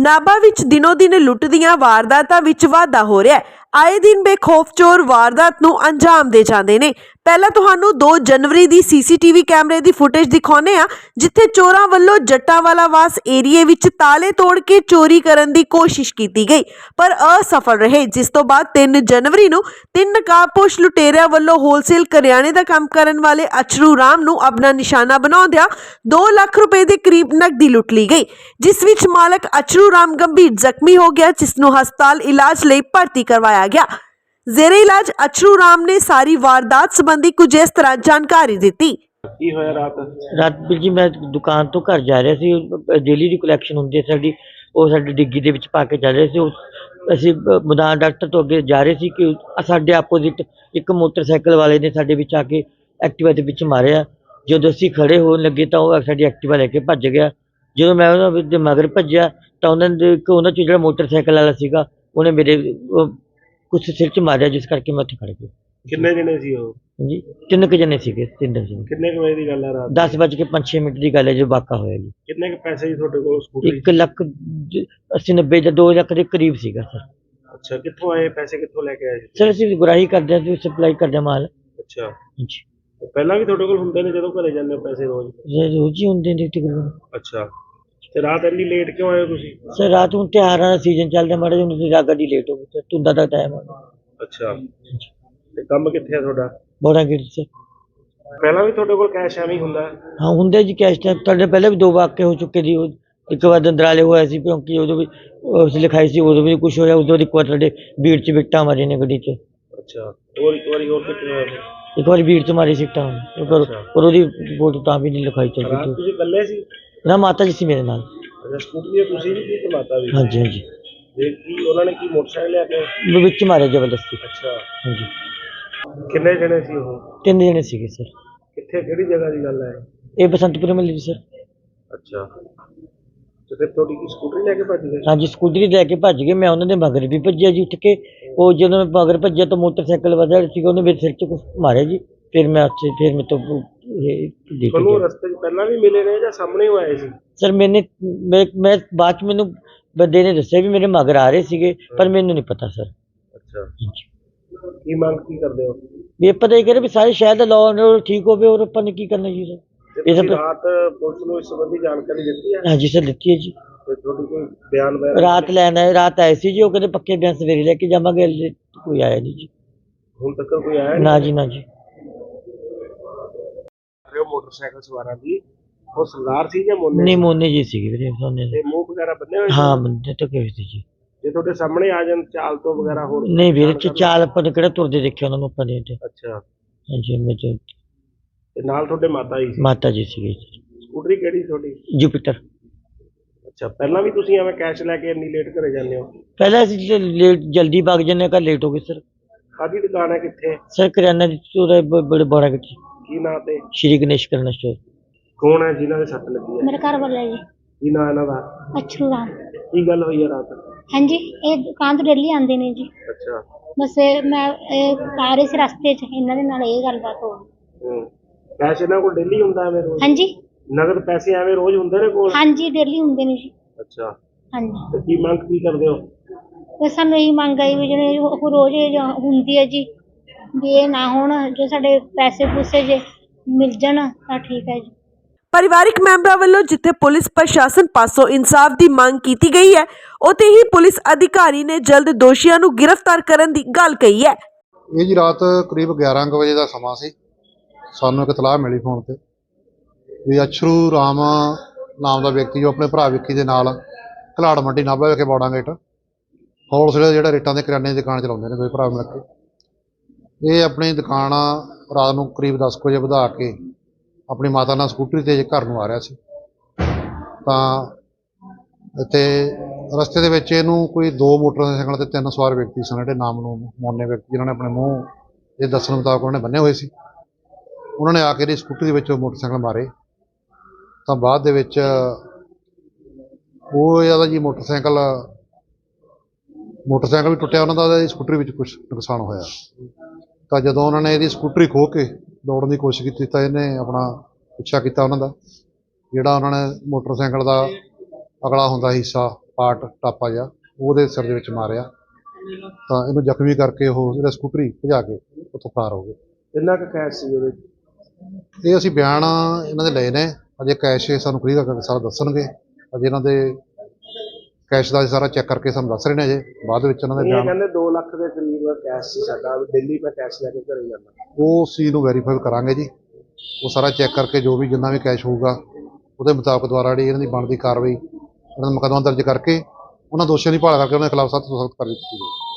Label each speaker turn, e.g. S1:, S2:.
S1: ਨਾਭਾ ਵਿੱਚ ਦਿਨੋਂ ਦਿਨ ਲੁੱਟ ਦੀਆਂ ਵਾਰਦਾਤਾਂ ਵਿੱਚ ਵਾਧਾ ਹੋ ਰਿਹਾ ਹੈ। ਆਏ ਦਿਨ ਬੇਖੌਫ ਚੋਰ ਵਾਰਦਾਤ ਨੂੰ ਅੰਜਾਮ ਦੇ ਜਾਂਦੇ ਨੇ। ਪਹਿਲਾਂ ਤੁਹਾਨੂੰ 2 ਜਨਵਰੀ ਦੀ ਸੀਸੀਟੀਵੀ ਕੈਮਰੇ ਦੀ ਫੁਟੇਜ ਦਿਖਾਉਂਦੇ ਆ, ਜਿੱਥੇ ਚੋਰਾਂ ਵੱਲੋਂ ਜੱਟਾਂਵਾਲਾ ਵਾਸ ਏਰੀਏ ਵਿੱਚ ਤਾਲੇ ਤੋੜ ਕੇ ਚੋਰੀ ਕਰਨ ਦੀ ਕੋਸ਼ਿਸ਼ ਕੀਤੀ ਗਈ, ਪਰ ਅਸਫਲ ਰਹੇ। ਜਿਸ ਤੋਂ ਬਾਅਦ 3 ਜਨਵਰੀ ਨੂੰ 3 ਨਕਾਬਪੋਸ਼ ਲੁਟੇਰਿਆਂ ਵੱਲੋਂ ਹੋਲਸੇਲ ਕਰਿਆਨੇ ਦਾ ਕੰਮ ਕਰਨ ਵਾਲੇ ਅਚਰੂ ਰਾਮ ਨੂੰ ਆਪਣਾ ਨਿਸ਼ਾਨਾ ਬਣਾਉਂਦਿਆਂ 2 ਲੱਖ ਰੁਪਏ ਦੇ ਕਰੀਬ ਨਕਦੀ ਲੁੱਟ ਲਈ ਗਈ, ਜਿਸ ਵਿੱਚ ਮਾਲਕ ਅਚਰੂ ਰਾਮ ਗੰਭੀਰ ਜ਼ਖਮੀ ਹੋ ਗਿਆ, ਜਿਸ ਨੂੰ ਹਸਪਤਾਲ ਇਲਾਜ ਲਈ ਭਰਤੀ ਕਰਵਾਇਆ ਗਿਆ। ਜ਼ੇਰੇ ਇਲਾਜ ਅਚਰੂ ਰਾਮ ਨੇ ਸਾਰੀ ਵਾਰਦਾਤ ਸੰਬੰਧੀ ਕੁਝ ਇਸ ਤਰ੍ਹਾਂ ਜਾਣਕਾਰੀ ਦਿੱਤੀ।
S2: ਕੀ ਹੋਇਆ ਰਾਤ
S3: ਵੀਰ ਜੀ ਮੈਂ ਦੁਕਾਨ ਤੋਂ ਘਰ ਜਾ ਰਿਹਾ ਸੀ। ਡੇਲੀ ਦੀ ਕਲੈਕਸ਼ਨ ਹੁੰਦੀ ਹੈ ਸਾਡੀ, ਉਹ ਸਾਡੀ ਡਿੱਗੀ ਦੇ ਵਿੱਚ ਪਾ ਕੇ ਜਾ ਰਹੇ ਸੀ। ਅਸੀਂ ਮੈਦਾਨ ਡਾਕਟਰ ਤੋਂ ਅੱਗੇ ਜਾ ਰਹੇ ਸੀ ਕਿ ਸਾਡੇ ਆਪੋਜ਼ਿਟ ਇੱਕ ਮੋਟਰਸਾਈਕਲ ਵਾਲੇ ਨੇ ਸਾਡੇ ਵਿੱਚ ਆ ਕੇ ਐਕਟਿਵਾ ਦੇ ਵਿੱਚ ਮਾਰਿਆ। ਜਦੋਂ ਅਸੀਂ ਖੜੇ ਹੋਣ ਲੱਗੇ ਤਾਂ ਉਹ ਸਾਡੀ ਐਕਟਿਵਾ ਲੈ ਕੇ ਭੱਜ ਗਿਆ। ਜਦੋਂ ਮੈਂ ਉਹਨਾਂ ਦੇ ਮਗਰ ਭੱਜਿਆ ਤਾਂ ਉਹਨਾਂ 'ਚ ਜਿਹੜਾ ਮੋਟਰਸਾਈਕਲ ਵਾਲਾ ਸੀਗਾ ਉਹਨੇ ਮੇਰੇ ਕੁਛ ਸਿਰ 'ਚ ਮਾਰਿਆ, ਜਿਸ ਕਰਕੇ ਮੈਂ ਉੱਥੇ ਖੜ ਗਿਆ।
S2: ਕਿੰਨੇ ਜਣੇ ਸੀ ਉਹ?
S3: ਜੀ 3 ਜਣੇ ਸੀਗੇ। 3 ਜਣੇ।
S2: ਕਿੰਨੇ ਕੁ ਵਜੇ ਦੀ ਗੱਲ ਹੈ ਰਾਤ?
S3: 10:05 ਦੀ ਗੱਲ ਹੈ ਜੋ ਵਾਕਾ ਹੋਇਆ ਜੀ।
S2: ਕਿੰਨੇ ਕੁ ਪੈਸੇ ਸੀ ਤੁਹਾਡੇ ਕੋਲ ਸਕੂਟਰੀ?
S3: 1,80,90 ਜਾਂ 2 ਲੱਖ ਦੇ ਕਰੀਬ ਸੀਗਾ ਸਰ।
S2: ਅੱਛਾ, ਕਿੱਥੋਂ ਆਏ ਪੈਸੇ? ਕਿੱਥੋਂ ਲੈ ਕੇ ਆਏ ਸੀ?
S3: ਸਰ ਅਸੀਂ ਗੁਰਾਹੀ ਕਰਦੇ ਹਾਂ, ਸਪਲਾਈ ਕਰਦੇ ਹਾਂ ਮਾਲ।
S2: ਅੱਛਾ
S3: ਜੀ
S2: ਪਹਿਲਾਂ ਵੀ ਤੁਹਾਡੇ ਕੋਲ ਹੁੰਦੇ ਨੇ ਜਦੋਂ ਘਰੇ ਜਾਂਦੇ ਹੋ ਪੈਸੇ ਰੋਜ਼?
S3: ਰੋਜ਼ ਹੀ ਹੁੰਦੇ ਨੇ ਤਕਰੀਬਨ।
S2: ਅੱਛਾ, ਤੇ ਰਾਤ ਇੰਨੀ ਲੇਟ ਕਿਉਂ ਆਏ ਹੋ ਤੁਸੀਂ?
S3: ਸਰ ਰਾਤ ਨੂੰ ਤਿਉਹਾਰਾਂ ਦਾ ਸੀਜ਼ਨ ਚੱਲਦਾ, ਮਾੜਾ ਜਿਹਾ ਹੁਣ ਰਾਤ ਗੱਡੀ ਲੇਟ ਹੋ ਗਈ ਸਰ, ਧੁੰਦਾਂ ਦਾ ਟਾਈਮ ਆ।
S2: ਅੱਛਾ, ਤੇ ਕੰਮ ਕਿੱਥੇ ਆ ਤੁਹਾਡਾ?
S3: Bora gate sir.
S2: ਪਹਿਲਾਂ ਵੀ ਤੁਹਾਡੇ ਕੋਲ ਕੈਸ਼ ਐਵੇਂ ਹੀ ਹੁੰਦਾ?
S3: ਹਾਂ ਹੁੰਦੇ ਜੀ ਕੈਸ਼ ਤਾਂ ਤੁਹਾਡੇ ਪਹਿਲਾਂ ਵੀ 2 ਵਾਕੇ ਹੋ ਚੁੱਕੇ ਜੀ। ਇੱਕ ਵਾਰ ਦੰਦਰਾਲੇ ਹੋਇਆ ਸੀ ਕਿਉਂਕਿ ਉਦੋਂ ਵੀ ਉਸ ਲਿਖਾਈ ਸੀ, ਉਦੋਂ ਵੀ ਕੁਛ ਹੋਇਆ। ਉਦੋਂ ਇੱਕ ਵਾਰ ਤੁਹਾਡੇ ਭੀੜ 'ਚ ਵਿਕਟਾਂ ਮਾਰੀ ਨੇ ਗੱਡੀ 'ਚ।
S2: ਅੱਛਾ, ਹੋਰ ਇੱਕ ਵਾਰੀ ਹੋਰ ਕਿੱਥੇ ਹੋਇਆ?
S3: ਇੱਕ ਵਾਰੀ ਭੀੜ 'ਚ ਮਾਰੀ ਸਿੱਟਾਂ, ਪਰ ਉਹਦੀ ਰਿਪੋਰਟ ਤਾਂ ਵੀ ਨਹੀਂ ਲਿਖਾਈ
S2: ਰਾਤ
S3: ਚੱਲਦੀ।
S2: ਤੁਸੀਂ ਇਕੱਲੇ ਸੀ?
S3: ਨਾ ਮਾਤਾ ਜੀ ਸੀ ਮੇਰੇ ਨਾਲ।
S2: ਅੱਛਾ, ਸਕੂਟਰੀ ਤੇ ਤੁਸੀਂ ਵੀ ਸੀ ਤੇ ਮਾਤਾ ਵੀ?
S3: ਹਾਂਜੀ ਹਾਂਜੀ।
S2: ਤੇ ਕੀ ਉਹਨਾਂ ਨੇ ਕੀ ਮੋਟਰਸਾਈਕਲ ਲਿਆ ਕੇ?
S3: ਵਿੱਚ ਮਾਰਿਆ ਜ਼ਬਰਦਸਤੀ।
S2: ਅੱਛਾ,
S3: ਹਾਂਜੀ।
S2: ਕਿੰਨੇ ਜਣੇ ਸੀ ਉਹ?
S3: 3 ਜਣੇ ਸੀਗੇ ਸਰ।
S2: ਕਿੱਥੇ, ਕਿਹੜੀ ਜਗ੍ਹਾ ਦੀ ਗੱਲ ਹੈ?
S3: ਇਹ ਬਸੰਤਪੁਰ ਮਿਲੀ ਜੀ ਸਰ।
S2: ਅੱਛਾ, ਤੇ ਫਿਰ ਤੁਹਾਡੀ ਕੀ ਸਕੂਟਰੀ ਲੈ ਕੇ ਭੱਜ ਗਏ?
S3: ਹਾਂਜੀ ਸਕੂਟਰੀ ਲੈ ਕੇ ਭੱਜ ਗਏ। ਮੈਂ ਉਹਨਾਂ ਦੇ ਮਗਰ ਵੀ ਭੱਜਿਆ ਜੀ ਉੱਠ ਕੇ। ਉਹ ਜਦੋਂ ਮੈਂ ਮਗਰ ਭੱਜਿਆ ਤਾਂ ਮੋਟਰਸਾਈਕਲ ਵਾਲਾ ਸੀਗਾ, ਉਹਨੇ ਮੇਰੇ ਸਿਰ 'ਚ ਕੁਛ ਮਾਰਿਆ ਜੀ। ਫਿਰ ਮੈਂ ਮੇਰੇ ਤੋਂ ਦੇਖ
S2: ਤੁਹਾਨੂੰ ਰਸਤੇ 'ਚ ਪਹਿਲਾਂ ਵੀ ਮਿਲੇ ਨੇ ਜਾਂ ਸਾਹਮਣੇ ਹੀ ਆਏ ਸੀ?
S3: ਸਰ ਮੈਂ ਬਾਅਦ 'ਚ ਮੈਨੂੰ ਬੰਦੇ ਨੇ ਦੱਸਿਆ ਵੀ ਮੇਰੇ ਮਗਰ ਆ ਰਹੇ ਸੀਗੇ, ਪਰ ਮੈਨੂੰ ਨਹੀਂ ਪਤਾ ਸਰ।
S2: ਅੱਛਾ, ਕੀ ਮੰਗ ਕੀ ਕਰਦੇ ਹੋ?
S3: ਵੀ ਪਤਾ ਹੀ ਕਰੇ ਵੀ ਸਾਰੇ ਸ਼ਹਿਰ ਦਾ ਲਾਅ ਐਂਡ ਆਰਡਰ ਠੀਕ ਹੋਵੇ, ਔਰ ਆਪਾਂ ਨੇ ਕੀ ਕਰਨਾ ਜੀ ਸਰ।
S2: ਰਾਤ ਪੁਲਿਸ ਨੂੰ ਇਸ ਸੰਬੰਧੀ ਜਾਣਕਾਰੀ ਦਿੱਤੀ ਹੈ?
S3: ਹਾਂਜੀ ਸਰ ਦਿੱਤੀ ਹੈ ਜੀ।
S2: ਤੇ ਤੁਹਾਡੀ ਕੋਈ ਬਿਆਨ
S3: ਰਾਤ ਰਾਤ ਆਏ ਸੀ ਜੀ, ਉਹ ਕਹਿੰਦੇ ਪੱਕੇ ਬਿਆਨ ਸਵੇਰੇ ਲੈ ਕੇ ਜਾਵਾਂਗੇ। ਹਲੇ ਕੋਈ ਆਇਆ ਨਹੀਂ ਜੀ।
S2: ਹੁਣ ਤੱਕ ਕੋਈ ਆਇਆ
S3: ਨਾ ਜੀ ਨਾ ਜੀ।
S2: ਮੋਟਰਸਾਈਕਲ ਸਵਾਰਾਂ ਦੀ ਉਹ ਸਰਦਾਰ ਸੀ ਜਾਂ ਮੋਨੇ?
S3: ਨਹੀਂ ਮੋਨੇ ਜੀ ਸੀਗੇ ਵੀਰੇ ਸੋਨੇ ਦੇ।
S2: ਤੇ ਮੂੰਹ ਵਗੈਰਾ ਬੰਨੇ ਹੋਏ?
S3: ਹਾਂ ਬੰਦੇ ਤਾਂ ਕਿਵੇਂ ਸੀ ਜੀ।
S2: ਜੇ ਤੁਹਾਡੇ ਸਾਹਮਣੇ ਆ ਜਾਣ ਚਾਲ ਤੋਂ ਵਗੈਰਾ ਹੋਰ?
S3: ਨਹੀਂ ਵੀਰੇ ਚਾਲ ਆਪਾਂ ਨੇ ਕਿਹੜਾ ਤੁਰਦੇ ਦੇਖਿਆ ਉਹਨਾਂ ਨੂੰ ਆਪਾਂ ਨੇ।
S2: ਅੱਛਾ,
S3: ਹਾਂਜੀ
S2: ਤੇ ਨਾਲ ਤੁਹਾਡੇ ਮਾਤਾ ਜੀ ਸੀ?
S3: ਮਾਤਾ ਜੀ ਸੀਗੇ।
S2: ਸਕੂਟਰੀ ਕਿਹੜੀ ਤੁਹਾਡੀ?
S3: ਜੁਪੀਟਰ।
S2: ਅੱਛਾ, ਪਹਿਲਾਂ ਵੀ ਤੁਸੀਂ ਐਵੇਂ ਕੈਸ਼ ਲੈ ਕੇ ਇੰਨੀ ਲੇਟ ਘਰੇ ਜਾਂਦੇ ਹੋ?
S3: ਪਹਿਲਾਂ ਅਸੀਂ ਲੇਟ ਜਲਦੀ ਭਾਗ ਜਾਂਦੇ, ਘਰ ਲੇਟ ਹੋ ਗਏ ਸਰ।
S2: ਕਾਹਦੀ ਦੁਕਾਨ ਹੈ, ਕਿੱਥੇ?
S3: ਸਰ ਕਰਿਆਨਾ ਦੀ ਸਟੋਰ ਹੈ ਬੜੇ ਬੜਾ ਗੱਡੀ।
S2: ਕੀ ਨਾਂ ਤੇ?
S3: ਸ਼੍ਰੀ ਗਣੇਸ਼ ਕਰਿਆਨਾ ਸਟੋਰ।
S2: ਕੌਣ ਹੈ ਜਿਨ੍ਹਾਂ ਦੇ ਸੱਟ ਲੱਗੀ ਹੈ?
S4: मेरे घर वाला जी
S2: ਕੀ ਨਾਂ ਇਹਨਾਂ ਦਾ?
S4: अछरू राम।
S2: ਕੀ ਗੱਲ ਹੋਈ ਹੈ ਰਾਤ?
S4: हाँ जी, ये दुकान तो डेली आते ने जी।
S2: ਅੱਛਾ।
S4: बस मैं आ रही सी रस्ते च इन्हां दे नाल ये गलबात हो गई।
S2: ਪੈਸੇ ਇਹਨਾਂ ਕੋਲ ਡੇਲੀ ਹੁੰਦਾ ਐਵੇਂ ਰੋਜ਼?
S4: हाँ जी
S2: ਨਗਦ ਪੈਸੇ ਐਵੇਂ ਰੋਜ਼ ਹੁੰਦੇ ਨੇ ਕੋਲ?
S4: हाँ जी डेली हुंदे ने जी।
S2: ਅੱਛਾ,
S4: हाँ जी,
S2: ਤੇ ਕੀ ਮੰਗ ਕੀ ਕਰਦੇ ਹੋ?
S4: बस सानू यही मंग आई भी जिहड़े रोज हुंदी है जी, भी ये ना होण, जो साडे पैसे पूसे जे मिल जाण तां ठीक है जी।
S1: ਪਰਿਵਾਰਿਕ ਮੈਂਬਰਾਂ ਵੱਲੋਂ ਜਿੱਥੇ ਪੁਲਿਸ ਪ੍ਰਸ਼ਾਸਨ ਪਾਸੋਂ ਇਨਸਾਫ ਦੀ ਮੰਗ ਕੀਤੀ ਗਈ ਹੈ, ਉੱਥੇ ਹੀ ਪੁਲਿਸ ਅਧਿਕਾਰੀ ਨੇ ਜਲਦ ਦੋਸ਼ੀਆਂ ਨੂੰ ਗ੍ਰਿਫਤਾਰ ਕਰਨ ਦੀ ਗੱਲ ਕਹੀ ਹੈ।
S5: ਇਹ ਜੀ ਰਾਤ ਕਰੀਬ 11 ਵਜੇ ਦਾ ਸਮਾਂ ਸੀ। ਸਾਨੂੰ ਇੱਕ ਇਤਲਾਹ ਮਿਲੀ ਫੋਨ ਤੇ ਵੀ ਅਛਰੂ ਰਾਮ ਨਾਮ ਦਾ ਵਿਅਕਤੀ ਜੋ ਆਪਣੇ ਭਰਾ ਵਿੱਕੀ ਦੇ ਨਾਲ ਘਲਾੜ ਮੰਡੀ ਨਾਭਾ ਵਿਖੇ ਬੌੜਾ ਗੇਟ ਹੋਲਸੇਲ ਜਿਹੜਾ ਰੇਟਾਂ ਦੇ ਕਰਿਆਨੇ ਦੀ ਦੁਕਾਨ ਚਲਾਉਂਦੇ ਨੇ, ਦੋਵੇਂ ਭਰਾ ਮਿਲ ਕੇ। ਇਹ ਆਪਣੀ ਦੁਕਾਨ ਰਾਤ ਨੂੰ ਕਰੀਬ 10 ਵਜੇ ਵਧਾ ਕੇ ਆਪਣੀ ਮਾਤਾ ਨਾਲ ਸਕੂਟਰੀ 'ਤੇ ਘਰ ਨੂੰ ਆ ਰਿਹਾ ਸੀ। ਤਾਂ ਇੱਥੇ ਰਸਤੇ ਦੇ ਵਿੱਚ ਇਹਨੂੰ ਕੋਈ 2 ਮੋਟਰਸਾਈਕਲ 'ਤੇ 3 ਸਵਾਰ ਵਿਅਕਤੀ ਸਨ, ਜਿਹੜੇ ਨਾਮ ਨੂੰ ਮੋਨੇ ਵਿਅਕਤੀ, ਜਿਨ੍ਹਾਂ ਨੇ ਆਪਣੇ ਮੂੰਹ ਇਹ ਦੱਸਣ ਮੁਤਾਬਕ ਉਹਨਾਂ ਨੇ ਬੰਨੇ ਹੋਏ ਸੀ। ਉਹਨਾਂ ਨੇ ਆ ਕੇ ਇਹਦੀ ਸਕੂਟਰੀ ਦੇ ਵਿੱਚ ਮੋਟਰਸਾਈਕਲ ਮਾਰੇ। ਤਾਂ ਬਾਅਦ ਦੇ ਵਿੱਚ ਉਹ ਇਹਦਾ ਜੀ ਮੋਟਰਸਾਈਕਲ ਵੀ ਟੁੱਟਿਆ ਉਹਨਾਂ ਦਾ, ਸਕੂਟਰੀ ਵਿੱਚ ਕੁਛ ਨੁਕਸਾਨ ਹੋਇਆ। ਤਾਂ ਜਦੋਂ ਉਹਨਾਂ ਨੇ ਇਹਦੀ ਸਕੂਟਰੀ ਖੋਹ ਕੇ ਦੌੜਨ ਦੀ ਕੋਸ਼ਿਸ਼ ਕੀਤੀ ਤਾਂ ਇਹਨੇ ਆਪਣਾ ਪਿੱਛਾ ਕੀਤਾ ਉਹਨਾਂ ਦਾ। ਜਿਹੜਾ ਉਹਨਾਂ ਨੇ ਮੋਟਰਸਾਈਕਲ ਦਾ ਅਗਲਾ ਹੁੰਦਾ ਹਿੱਸਾ ਪਾਰਟ ਟਾਪਾ ਜਿਹਾ ਉਹਦੇ ਸਿਰ ਦੇ ਵਿੱਚ ਮਾਰਿਆ, ਤਾਂ ਇਹਨੂੰ ਜ਼ਖਮੀ ਕਰਕੇ ਉਹ ਜਿਹੜਾ ਸਕੂਟਰੀ ਭਜਾ ਕੇ ਉੱਥੋਂ ਫਰਾਰ ਹੋ ਗਏ।
S2: ਕਿੰਨਾ ਕੁ ਕੈਸ਼ ਸੀ ਉਹਦੇ 'ਚ?
S5: ਇਹ ਅਸੀਂ ਬਿਆਨ ਇਹਨਾਂ ਦੇ ਲਏ ਨੇ, ਅਜੇ ਕੈਸ਼ ਸਾਨੂੰ ਕਲੀਅਰ ਕਰਕੇ ਸਾਰਾ ਦੱਸਣਗੇ। ਅਜੇ ਇਹਨਾਂ ਦੇ ਕੈਸ਼ ਦਾ ਸਾਰਾ ਚੈੱਕ ਕਰਕੇ ਸਾਨੂੰ ਦੱਸ ਰਹੇ ਨੇ, ਅਜੇ ਬਾਅਦ ਵਿੱਚ ਇਹਨਾਂ ਦੇ
S2: ਇਹ
S5: ਬਿਆਨ।
S2: ਕਹਿੰਦੇ 2 ਲੱਖ ਦੇ ਕਰੀਬ ਕੈਸ਼ ਸੀ ਸਾਡਾ, ਦਿੱਲੀ ਮੈਂ ਕੈਸ਼ ਲੈ ਕੇ ਘਰੇ ਜਾਂਦਾ।
S5: ਉਹ ਚੀਜ਼ ਨੂੰ ਵੈਰੀਫਾਈ ਕਰਾਂਗੇ ਜੀ, ਉਹ ਸਾਰਾ ਚੈੱਕ ਕਰਕੇ ਜੋ ਵੀ ਜਿੰਨਾ ਵੀ ਕੈਸ਼ ਹੋਊਗਾ ਉਹਦੇ ਮੁਤਾਬਕ ਦੁਆਰਾ ਜਿਹੜੀ ਇਹਨਾਂ ਦੀ ਬਣਦੀ ਕਾਰਵਾਈ, ਇਹਨਾਂ ਦਾ ਮੁਕੱਦਮਾ ਦਰਜ ਕਰਕੇ ਉਹਨਾਂ ਦੋਸ਼ੀਆਂ ਦੀ ਭਾਲ ਕਰਕੇ ਉਹਨਾਂ ਦੇ ਖਿਲਾਫ ਸਖਤ ਤੋਂ ਸਖਤ ਕਾਰਵਾਈ ਕੀਤੀ ਜਾਊਗੀ।